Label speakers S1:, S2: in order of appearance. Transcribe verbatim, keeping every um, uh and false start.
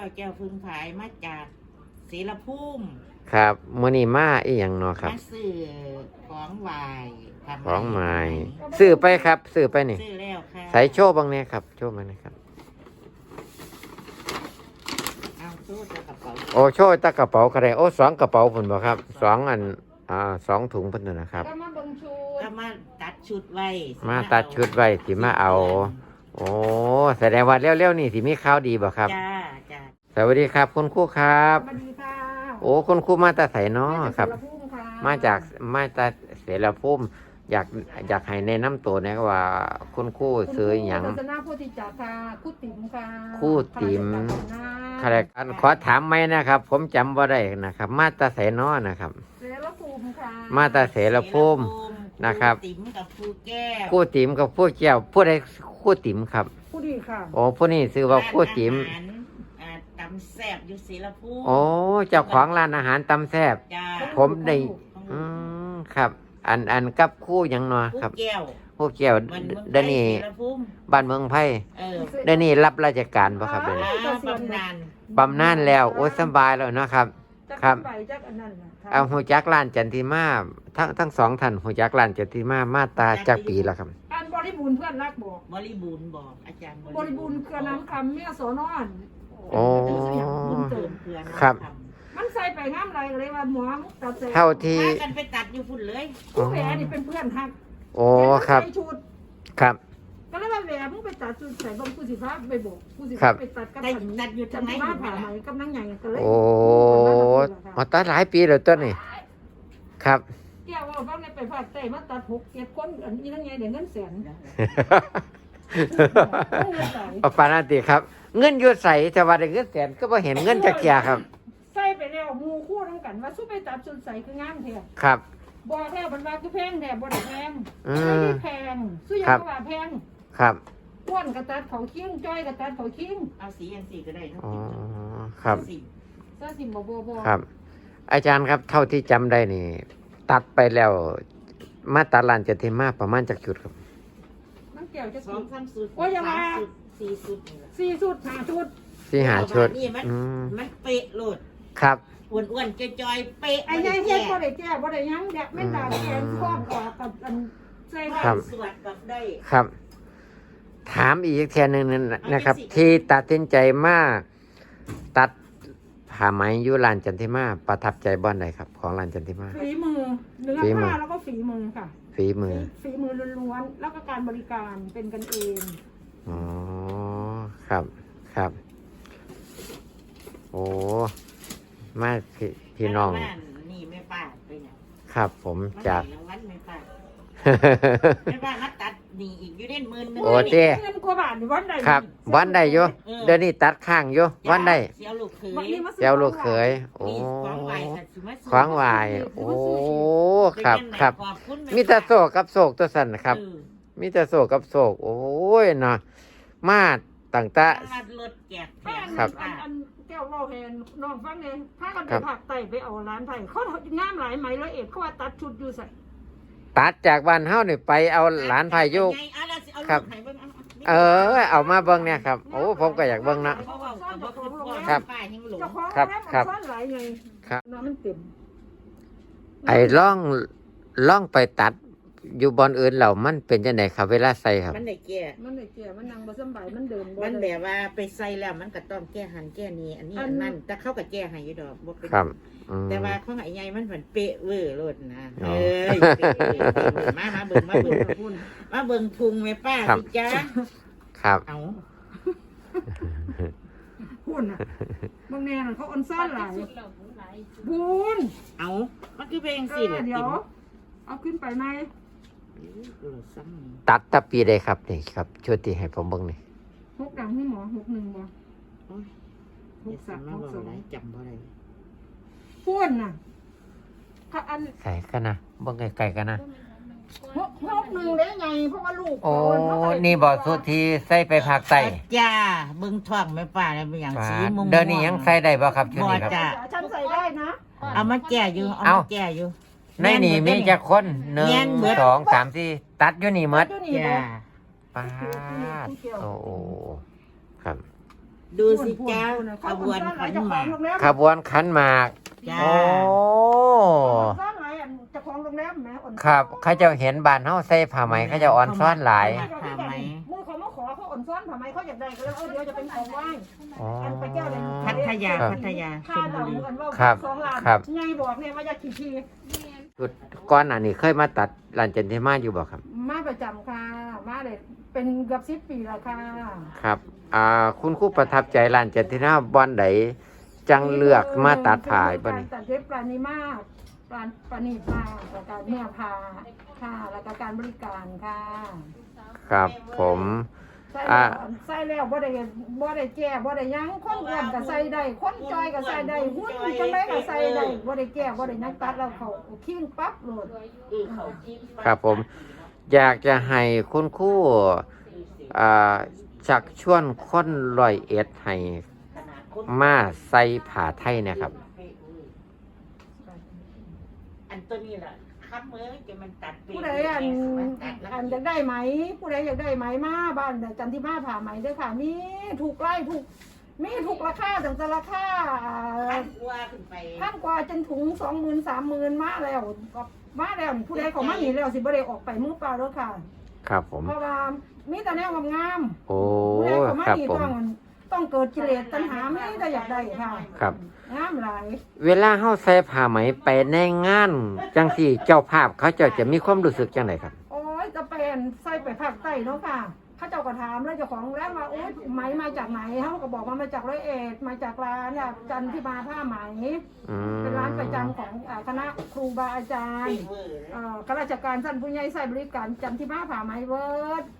S1: แก้วพึ่งผายมาจากศรีละภูมิ
S2: ครับมื้อนี้มาอีหยังเนาะครับ
S1: มาซื้อของไหว้
S2: ของใหม่ซื้อไปครับซื้อไปนี่
S1: ซื้อแล้วค่ะ
S2: ใส่โชว์บางเนี่ยครับโชว์มาหนะครับ
S1: เอาโชว์ตะกระเป๋า
S2: โอ้โชว์ตะกระเป๋าก็ได้โอ้สองกระเป๋าพุ่นบ่ครับสองอันอ่าสองถุงพุ่นนะครับ
S1: ก็มาเบิ่งชุดก็มาตัดชุดไว้
S2: มาตัดชุดไว้สิมาเอาโอ้แสดงว่าเร็วๆนี่สิมีข่าวดีบ่ครับ
S1: จ้าจ้า
S2: สวัสดีครับคุณครูครับ
S1: สวัสดีค่ะ
S2: โอ้คุณครูมาแต่ไสเนาะครับมาจากมาจากเสรภูมิอยากอยากให้แนะนำตัวนะว่าคุณครูซื้อหยัง
S3: ศาสนาโพธิจักรค่ะครูติ๋มค่ะ
S2: ครูติ๋มขอขอถามไหมนะครับ ผมจำว่าได้นะครับ มาตาเสนอนะครับ
S3: เสรภูมิค่ะ
S2: มาตาเสรภูมินะครับ
S1: ติ๋มกับครูแก้ว
S2: ครูติ๋มกับครูแก้วผู้ใดครูติ๋มครับ
S3: ผู้ดีค่ะ
S2: โอ้ผู้นี้ชื่อว่าครูติ๋ม
S1: ตำแซ่บอยู่ศรีละภูมิ
S2: โอ้เจ้าของร้านอาหารตำแซ่บผมได้อืมครับอันอันกับคู่ยังเนาะครับ
S1: แก้ว
S2: คู่แก้วเดนี่บ้านเมืองไผ่เดนี่รับราชการป่ะครับเดนี่
S1: บำนาญ
S2: บำนาญแล้วโอ้สบายแล้วเนาะครับครับเอาหูจักร้านจันทิมาทั้งทั้งสองท่านหูจักร้านจันทิมามาตาจากปีแล้วครับ
S3: อันบริบูรณ์เพื่อนรักบอก
S1: บริบูรณ์บอกอาจารย์
S3: บริบูรณ์เครือน้ำคำเมียโสนอน
S2: โอ้ครับ
S3: มันใส่ไปงามไรเลยว่าหมอตัด
S2: เท่าที่
S1: กันไปตัดอยู่ฝุ่นเลย
S3: ผู้แหวนนี่เป็นเพื่อนฮัก
S2: โอ้ครับครับ
S3: ก็เลยว่าแหวนมึงไปตัดจุดใส่บางผู้สิฟ้าไปบอกผู้สิ
S2: ฟ้า
S3: ไปตัดกับ
S1: ตัดอยู่ทางไหน
S3: ผ่าไหมกำลังใหญ่กันเลย
S2: โอ้มาตัดหลายปีแล้วต้นนี่ครับ
S3: แก้วว่าฟังในไปผ่าเตะมาตัดหกเจ็ดคนอันนี้ทั้งไงเดี๋ยวเงินแสน
S2: เอาปานาติครับเงินอยู่ใส่แต่ว่าได้เงินแสนก็บ่เห็นเงินจักเที่ยครับ
S3: ใส่ไปแล้วมูคู่ทั้งกันว่าสู้ไปตัดจุดใส่คืองามแท้
S2: ครับ
S3: บอกแล้วบรรดาคือแพงแท้บ่ได้แพงไม่ได้แพงสู้ยังว่าแพง
S2: ครับ
S3: อ้วนกระตัดเขาคิ้งจ้อยกระตัดเขาคิ้ง
S1: เอาสีอันสีก็ได้เนาะ
S2: อ๋อครับ
S3: ซาสิบ่บ่บ่
S2: ครับอาจารย์ครับเท่าที่จำได้นี่ตัดไปแล้วมาตัดลานจันทิมาประมาณจักจุดครับ
S3: มันเกี่ยวจะ
S1: สองสามสุด
S3: โอ้ยอย่ามา
S1: สี่สุด
S3: สี่สุดห้าชุด
S2: สี่หาชุด
S1: นี่มันมันเป๊ะโลด
S2: ครับ
S1: อ้วนๆจอยๆเป๊ะ
S3: ไอ้ยัยเฮ็ดบ่ได้แก้บ่ได้ยังแดกแม่นดาแกนครอบออกกับอันใส่
S2: ครับ
S1: สวดกับได้
S2: ครับถามอีกแค่นึงนะครับที่ตัดสินใจมาตัดผ้าไหมยุลานจันทิมาประทับใจบ้านไหนครับของลานจันทิมา
S3: ฝีมือเนื้อผ้าแล้วก็ฝีมือค่ะ
S2: ฝีมือ
S3: ฝีมือล้วนๆแล้วก็การบริการเป็นกันเอง
S2: อ๋อครับครับโอ้มาพี่พี่น้อง
S1: นี่แม่ป้าไปเนี่ย
S2: ครับผมจาก
S1: วันแม่ป้าแม่ป้ามาตัดนี่อีกอยู่เด่นหมื่นนึง
S2: โอ้เจ้
S3: เงินกว่าบาทนี่วันใด
S2: ครับวันใดอยู่เดี๋ยวนี้ตัดข้างอยู่วันใด
S1: เสียวลูกเขย
S2: เสียวลูกเขยโอ้ขวางวายโอ้ครับครับมีแต่โศกกับโศกตัวสั่นครับมีแต่โศกกับโศกโอ้ยเนาะมาต่างตา
S3: ครับแก้วเล่าแทนน้องฟังเนี่ยถ้ากันไปผักไต่ไปเอาร้านไผ่เขางามหลายไหมร้อยเอ็ดเขาว่าตัดชุดอยู่ใส่
S2: ตัดจากบ้านเฮานี่ไปเอาหลานไผ่ยุกครับเออเอามาเบิ่งเนี่ยครับโอ้ผมก็อยากเบิ่งนะครับครับครับครับไอ้ล่องล่องไปตัดอยู่บอนอื่นเหล่ามันเป็นจังได๋ครับเวลาใส่ครับ
S1: มันได้แก่
S3: มันได้แก่มันนั่งบ่สบายมันเดินบ่
S1: มันแบบว่าไปใส่แล้วมันก็ต้องแก้หันแก้นี้อันนี้อันนั้นแต่เขาก็แก้ให้อยู่ดอกบ่เป็น
S2: ครับ
S1: แต่ว่าของไอ้ใหญ่มันเหมือนเป๊ะเวอร์โลดนะเอ้ยมามาเบิ่งมาเบิ่งมาเบิ่งพุงแม่ป้าสิจ้า
S2: ครับ
S1: เอา
S3: พูนน่ะบางแน่น่ะเขาอ่อนซ่อนหลายพูน
S1: เอามันคือเพลงสิ
S3: เดี๋ยวเอาขึ้นไปไหม
S2: ตัดตะปีได้ครับนี่ครับช่วยตีให้ผมเบิ่งนี่
S3: หกดังให้หมอหกหนึ่งบ่
S1: หกสามหกสองจำบ่ได้
S3: พูนน่ะอัน
S2: ใส่กันนะเบิ่งไกลๆกันนะ
S3: หกหกหนึ่งได้ไงเพราะว่าลูก
S2: โอ้นี่บ่สุดที่ใส่ไปภาคใต้
S1: จ้าเบิ่งท้องแม่ป้าแล้วเป็นอย่างสีมุม
S2: เดี๋ยวนี้ยังใส่ได้บ่ครับชุดนี้ครับ
S3: ฉันใส่ได้นะ
S1: เอามาแก่อยู่เอามาแก่อยู่
S2: ในนี่มีจักคนหนึ่งสองสามสี่ตัดอยู่นี่หมด
S1: จ้า
S2: ป้าโอ้ครับ
S1: ดูสิเจ้าขบวนขันหมาก
S2: ขบวนขันหมาก
S1: จ้า
S2: โอ้
S3: ซ่อนหลายอันเจ้าของโรงแรมแหมอ่อน
S2: ครับเขาเจะเห็นบ้านเฮาใส่ผ้าไหมเขาเจะอ่อนซ้อนหลาย
S3: มือเขามาขอเขาอ่อนซ้อนทำไมเขาอยากได้ก็เลยเออเดี๋ยวจะเป็นของไหว้
S2: อ๋อ
S3: อันไปแก้วเลย
S1: พัทยา
S2: ครับ
S1: พัทยาช
S3: ค่า
S1: ล
S3: ดา
S1: บุ
S3: ว
S1: รี
S3: อันว่า
S2: ครับ
S3: สองล้าน
S2: ครับ
S3: ไงบอกเนี่ยว่าจะขี่ที
S2: ก่อนหน้านี้เคยมาตัดร้านจันทิมาอยู่บ่ครับ
S3: มาประจำค่ะมาเลยเป็นเกือบสิบปีแล้วค่ะ
S2: ครับ อ่า คุณครูประทับใจร้านจันทิมาบอนใดจังเลือกมาตัดผ้าบ่
S3: การ
S2: นี่
S3: ตัดเย็บปราณีมากปราปราณีมากแล้วการเนื้อผ้าค่ะแล้วก็การบริการค่ะ
S2: ครับ ผม
S3: ใส่
S2: อ่า
S3: แล้วใส่แล้วบ่ได้บ่ได้แก้บ่ได้หยังคนอ้วนก็ใส่ได้คนจอยก็ใส่ได้หุ่นจังไดก็ใส่ได้บ่ได้แก้บ่ได้หยังตัดแล้วเขาคิ้งปั๊บโลด
S2: ครับผม อยากจะให้คุณครูอ่าชักชวนคนร้อยเอ็ดให้มาใส่ผ้าไทยเนะครับ
S1: อันตัวนี้แหละคับมือจะมันตัดเป
S3: ผู้ใดอันอันอยากได้ไหม ผู้ใดอยากได้ไหมมาบ้านจันทิมาผ่าไหมเด้อค่ะมีถูกไล่ถูกมีถูกราคาตั้งแต่ราคา
S1: พันกว่าขึ้นไป
S3: พันกว่าจนถุงสองหมื่นสามหมื่นมาแล้วก็มาแล้วผู้ใดเขามาหนีแล้วสิบ่ได้ออกไปมือเปล่าเด้อค่ะ
S2: ครับผม
S3: เพราะว่ามีแต่แนวงาม
S2: โอ้
S3: ๆผู้ใดเขามา
S2: ครับ
S3: หนี
S2: ผม
S3: ต้องต้องเกิดกิเลสตัณหาไม่แต่อยากได้ค่ะ
S2: ครับ
S3: งามหลาย
S2: เวลาเฮาใส่ผ้าไหมไปในงาน จังสี่เจ้าภาพเขาเจะจะมีความรู้สึกจังไดครับ
S3: โอ้ยจะเป็นใส่ไปภาคใต้เนาะค่ะเขาเจ้าก็ถามแล้วเจ้าของแล้วว่าโอ้ยไหมมาจากไหนเขาก็บอกว่ามาจากร้อยเอ็ดมาจากร้านเนี่ยจันทิมาผ้าไหม
S2: อืม
S3: เป็นร้านประจำของอ่าคณะครูบาอาจารย์
S1: เปเวอร์
S3: เอ่อข้าราชการท่านผู้ใหญ่ใส่บริการจันทิมาผ้าไหมเวิร์ด